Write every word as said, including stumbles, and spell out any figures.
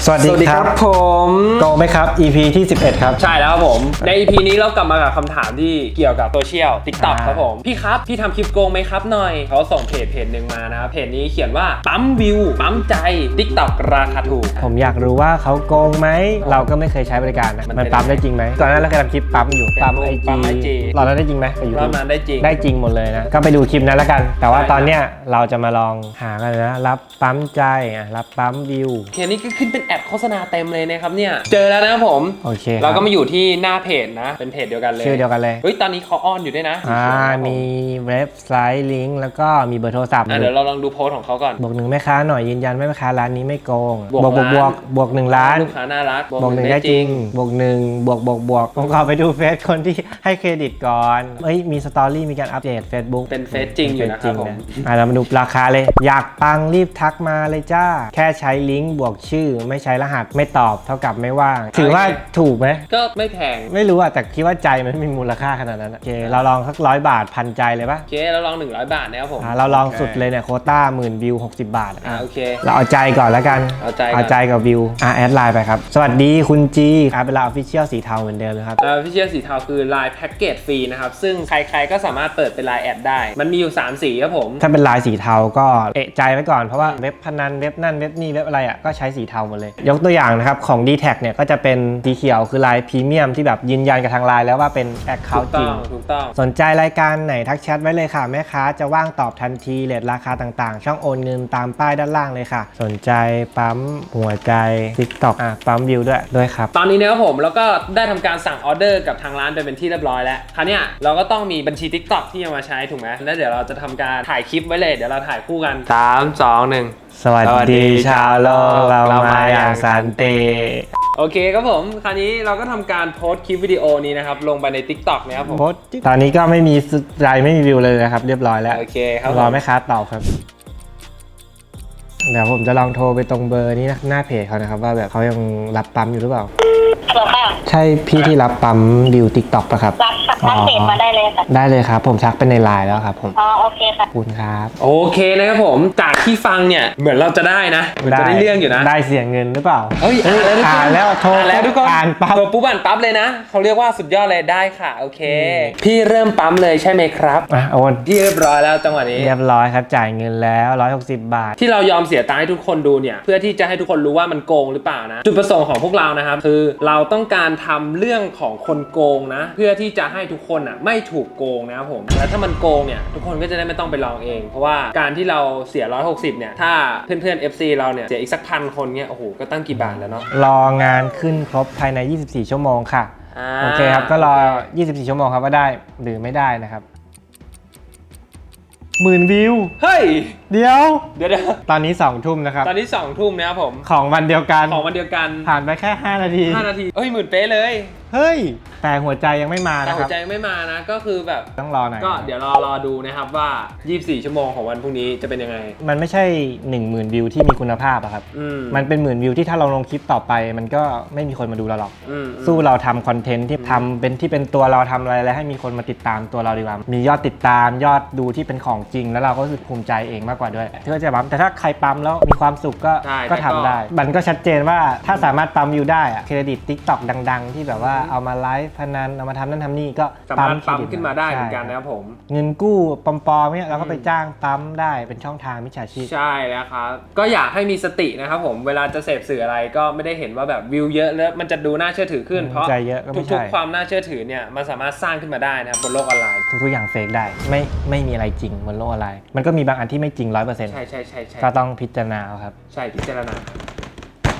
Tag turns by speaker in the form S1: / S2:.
S1: สวัสดีครับ
S2: ผม
S1: โกไหมครับ อี พี ที่สิบเอ็ดครับ
S2: ใช่แล้วครับผมใน อี พี นี้เรากลับมากับคำถามที่เกี่ยวกับโซเชียล TikTok ครับผมพี่ครับพี่ทำคลิปโกงไหมครับหน่อยเขาส่งเพจเพจหนึ่งมานะครับเพจนี้เขียนว่าปั๊มวิวปั๊มใจ TikTok ราคาถูก
S1: ผมอยากรู้ว่าเขาโกงไหมเราก็ไม่เคยใช้บริการนะมันปั๊มได้จริงไหมก่อนหน้าเราเคยทำคลิปปั๊มอยู่ปั๊มไอจีรอนั้นได้จริงไหม
S2: รอบนั้นได้จริง
S1: ได้จริงหมดเลยนะก็ไปดูคลิปนั้นแล้วกันแต่ว่าตอนเนี้ยเราจะมาลองหากันนะรับปั๊มใจรับปั๊มวิว
S2: เพจนี้ก็ขึ้นเป็นแอดโฆษณาเต็มเลยนะครับเนี่ยเจอแล้วนะครับผม
S1: โอเค
S2: เราก็มาอยู่ที่หน้าเพจนะเป็นเพจเดียวกันเลย
S1: ชื่อเดียวกันเลย
S2: เฮ้ยตอนนี้เขาออนอยู่ด้วยนะ
S1: อ่ามีเว็บไซต์ลิงก์แล้วก็มีเบอร์โทรศัพท์
S2: เดี๋ยวเราลองดูโพสต์ของเขาก่อน
S1: บวกหนึ่งแม่ค้าหน่อยยืนยันไม่แม่ค้าร้านนี้ไม่โกงบวกบวกบวกบวกหนึ่งล้าน
S2: ลูกค้าน่ารัก
S1: บวกหนึ่งได้จริงบวกหนึ่งบวกบวกบวกผมขอไปดูเฟซคนที่ให้เครดิตก่อนเฮ้ยมีสตอรี่มีการอัปเดต Facebook
S2: เป็นเฟซจริงอยู่นะครับผม
S1: อ่ะเรามาดูราคาเลยอยากปังรีบทักมาเลยจ้าแค่ใช้ลิงก์บวกชื่อไม่ใช้รหัสไม่ตอบเท่ากับไม่ว่างถือว่าถูกไหม
S2: ก็ไม่แพง
S1: ไม่รู้อะแต่คิดว่าใจมันมีมูลค่าขนาดนั้นโอเคเราลองสักร้อยบาทพันใจเลยปะ
S2: โอเคเราลองหนึ่งร้อยบาทนะครับผม
S1: เราลองสุดเลยเนี่ยโควต้าหมื่นวิวหกสิบบาท
S2: อ่าโอเค
S1: เราเอาใจก่อนแล้วกัน
S2: เอาใจ
S1: เอาใจกับวิวอ่ะแอดไลน์ไปครับสวัสดีคุณจีอ่ะเป็นไลน์ออฟฟิเชียลสีเทาเหมือนเดิมนะครับ
S2: ออฟฟิเชียลสีเทาคือไลน์แพ็กเกจฟรีนะครับซึ่งใครๆก็สามารถเปิดเป็นไลน์แอดได้มันมีอยู่สามสีครับผม
S1: ถ้าเป็นลายสีเทาก็เอะใจไว้ก่อนเพราะว่าเว็บพนันเว็บนั่นเว็บนี่เว็บอะไรอ่ะก็ใช้สีเทาหมดเลยยกตัวอย่างนะครับของ ดี แท็ก เนี่ยก็จะเป็นสีเขียวคือลายพรีเมียมที่แบบยืนยันกับทางไลน์แล้วว่าเป็นแอคเคาท์จริง
S2: ถูกต้อง
S1: สนใจรายการไหนทักแชทไว้เลยค่ะแม่ค้าจะว่างตอบทันทีเรทราคาต่างๆช่องโอนเงินตามป้ายด้านล่างเลยค่ะสนใจปั๊มหัวใจ TikTok อ่ะปั๊มวิวด้วยด้วยครับ
S2: ตอนนี้นะครับผมแล้วก็ได้ทำการสั่งออเดอร์กับทางร้านไปเป็นที่เรียบร้อยแล้วคราวนี้เราก็ต้องมีบัญชี TikTok ที่จะมาใช้ถูกไหมแล้วเดี๋ยวเราจะทำการถ่ายคลิปไว้เลยเดี๋ยวเราถ่ายคู่กันสาม สอง หนึ่ง
S1: สวัสดีชาวโลกเรามาอย่างสันติ
S2: โอเคครับผมคราวนี้เราก็ทำการโพสต์คลิปวิดีโอนี้นะครับลงไปใน TikTok นะครับผม
S1: ตอนนี้ก็ไม่มีรายไม่มีวิวเลยนะครับเรียบร้อยแล้ว
S2: โอเคครับ
S1: รอแม่ค้าตอบครับเดี๋ยวผมจะลองโทรไปตรงเบอร์นี้นะหน้าเพจเขานะครับว่าแบบเขายังรับปั๊มอยู่หรือเปล่าใช่พี่ที่รับปั๊มดิว TikTok ป่ะครับ
S3: รับทักเพจมาได้เลยค่ะ
S1: ได้เลยครับผมทักไปในไลน์แล้วครับผม
S3: อ๋อโอเคค่ะ
S1: คุณครับ
S2: โอเคนะครับผมจากที่ฟังเนี่ยเหมือนเราจะได้นะเหมือนจะได้เรื่องอยู่นะ
S1: ได้เสียเงินหรือเปล่า
S2: เฮ้ย
S1: อ่านแล้วโทร
S2: แล้วทุกคน
S1: อ่านปั๊บ
S2: โทรปุ๊บอ่านปั๊บเลยนะเขาเรียกว่าสุดยอดเลยได้ค่ะโอเคพี่เริ่มปั๊มเลยใช่ไหมครับ
S1: อ่ะโอน
S2: ที่เรียบร้อยแล้วจังหวะนี้
S1: เรียบร้อยครับจ่ายเงินแล้วหนึ่งร้อยหกสิบบาท
S2: ที่เรายอมเสียตังค์ให้ทุกคนดูเนี่ยเพื่อที่จะให้ทุกคนรู้ว่ามันโกงหรือเปล่านะจุดประสงค์ของพวกเรานะครับคือเราต้องการทำเรื่องของคนโกงนะเพื่อที่จะให้ทุกคนอ่ะไม่ถูกโกงนะครับผมแล้วถ้ามันโกงเนี่ยทุกคนก็จะได้ไม่ต้องไปลองเองเพราะว่าการที่เราเสียหนึ่งร้อยหกสิบเนี่ยถ้าเพื่อนๆ เอฟ ซี เราเนี่ยเสียอีกสักพันคนเนี่ยโอ้โหก็ตั้งกี่บาทแล้วเนาะ
S1: รองานขึ้นครบภายในยี่สิบสี่ชั่วโมงค่ะโอเคครับก็รอยี่สิบสี่ชั่วโมงครับว่าได้หรือไม่ได้นะครับหมื่นวิว
S2: เฮ้ย
S1: เดี๋ยว
S2: เดี๋ยว
S1: ตอนนี้สองทุ่มนะครับ
S2: ตอนนี้สองทุ่มนะครับผม
S1: ของวันเดียวกัน
S2: ของวันเดียวกัน
S1: ผ่านไปแค่ห้านาที
S2: ห้านาทีเอ้ยหมื่นเป๊ะเลย
S1: เฮ้ยแต่หัวใจยังไม่มานะครับ
S2: แต่หัวใจไม่มานะก็คือแบบ
S1: ต้องรอหน่อย
S2: ก็เดี๋ยวรอรอดูนะครับว่ายี่สิบสี่ชั่วโมงของวันพรุ่งนี้จะเป็นยังไง
S1: มันไม่ใช่ หนึ่งหมื่น วิวที่มีคุณภาพอะครับมันเป็นหมื่นวิวที่ถ้าเราลงคลิปต่อไปมันก็ไม่มีคนมาดูเราหรอกสู้เราทำคอนเทนต์ที่ทำเป็นที่เป็นตัวเราทำอะไรแล้วให้มีคนมาติดตามตัวเราดีกว่ามียอดติดตามยอดดูที่เป็นของจริงแล้วเราก็รู้สึกภูมิใจเองมากกว่าด้วยที่ว่าจะปั๊มแต่ถ้าใครปั๊มแล้วมีความสุขก็ก็ทำได้มันก็ชัดเจนว่าถ้าสามารถปั๊มวิวได้อะเครดิต TikTok ดังๆที่แบบว่าเอามาไลฟ์พนันเอามาทำนั่นทำนี่ก็
S2: ปั๊มปั๊มขึ้นมาได้เหมือนกันนะครับผม
S1: เงินกู้ปลอมๆเนี่ยเราก็ไปจ้างปั๊มได้เป็นช่องทางมิจฉาชีพ
S2: ใช่แล้วครับก็อยากให้มีสตินะครับผมเวลาจะเสพสื่ออะไรก็ไม่ได้เห็นว่าแบบวิวเยอะแล้วมันจะดูน่าเชื่อถือขึ้นเพราะทุกๆความน่าเชื่อถือเนี่ยมันสามารถสร้างขึ้นมาได้นะครับบนโลกออนไลน์
S1: ทุกๆอย่างเฟกได้ไม่ไม่มีอะไรจริงบนโลกออนไลน์มันก็มีบางอันที่ไม่จริง ร้อยเปอร์เซ็นต์
S2: ใช่ใช่ใช่ใช่
S1: ก็ต้องพิจารณาครับ
S2: ใช่พิจารณา